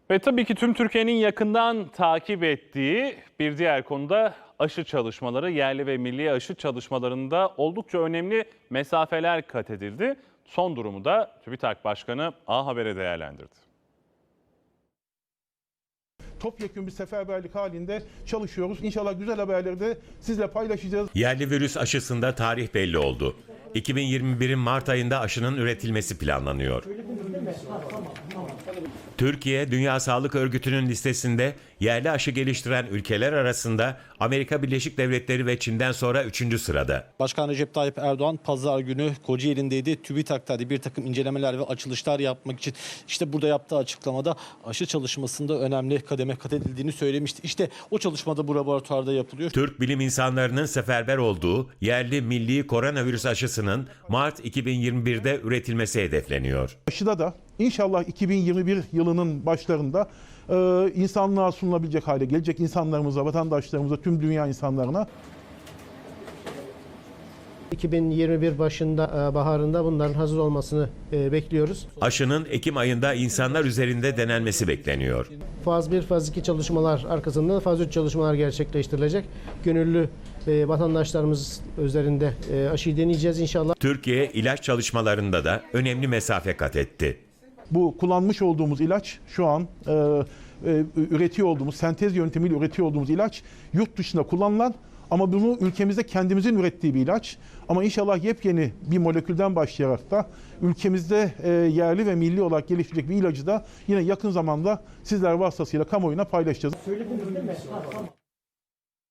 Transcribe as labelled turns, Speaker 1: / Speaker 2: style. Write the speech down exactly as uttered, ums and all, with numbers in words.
Speaker 1: Ve tabii ki tüm Türkiye'nin yakından takip ettiği bir diğer konuda aşı çalışmaları. Yerli ve milli aşı çalışmalarında oldukça önemli mesafeler kat edildi. Son durumu da TÜBİTAK Başkanı A Haber'e değerlendirdi.
Speaker 2: Topyekun bir seferberlik halinde çalışıyoruz. İnşallah güzel haberleri de sizle paylaşacağız.
Speaker 3: Yerli virüs aşısında tarih belli oldu. iki bin yirmi birin Mart ayında aşının üretilmesi planlanıyor. Türkiye, Dünya Sağlık Örgütü'nün listesinde yerli aşı geliştiren ülkeler arasında Amerika Birleşik Devletleri ve Çin'den sonra üçüncü sırada.
Speaker 4: Başkan Recep Tayyip Erdoğan pazar günü Kocaeli'ndeydi. TÜBİTAK'ta bir takım incelemeler ve açılışlar yapmak için işte burada yaptığı açıklamada aşı çalışmasında önemli kademe kat edildiğini söylemişti. İşte o çalışmada bu laboratuvarda yapılıyor.
Speaker 3: Türk bilim insanlarının seferber olduğu yerli milli koronavirüs aşısının Mart iki bin yirmi birde üretilmesi hedefleniyor.
Speaker 2: Aşıda da inşallah iki bin yirmi bir yılının başlarında e, insanlığa sunulabilecek hale gelecek, insanlarımıza, vatandaşlarımıza, tüm dünya insanlarına.
Speaker 5: iki bin yirmi bir başında, baharında bunların hazır olmasını bekliyoruz.
Speaker 3: Aşının Ekim ayında insanlar üzerinde denenmesi bekleniyor.
Speaker 5: Faz bir, faz iki çalışmalar arkasında faz üç çalışmalar gerçekleştirilecek. Gönüllü vatandaşlarımız üzerinde aşıyı deneyeceğiz inşallah.
Speaker 3: Türkiye ilaç çalışmalarında da önemli mesafe kat etti.
Speaker 2: Bu kullanmış olduğumuz ilaç şu an e, e, üretiyor olduğumuz, sentez yöntemiyle üretiyor olduğumuz ilaç yurt dışında kullanılan ama bunu ülkemizde kendimizin ürettiği bir ilaç. Ama inşallah yepyeni bir molekülden başlayarak da ülkemizde e, yerli ve milli olarak geliştirecek bir ilacı da yine yakın zamanda sizler vasıtasıyla kamuoyuna paylaşacağız.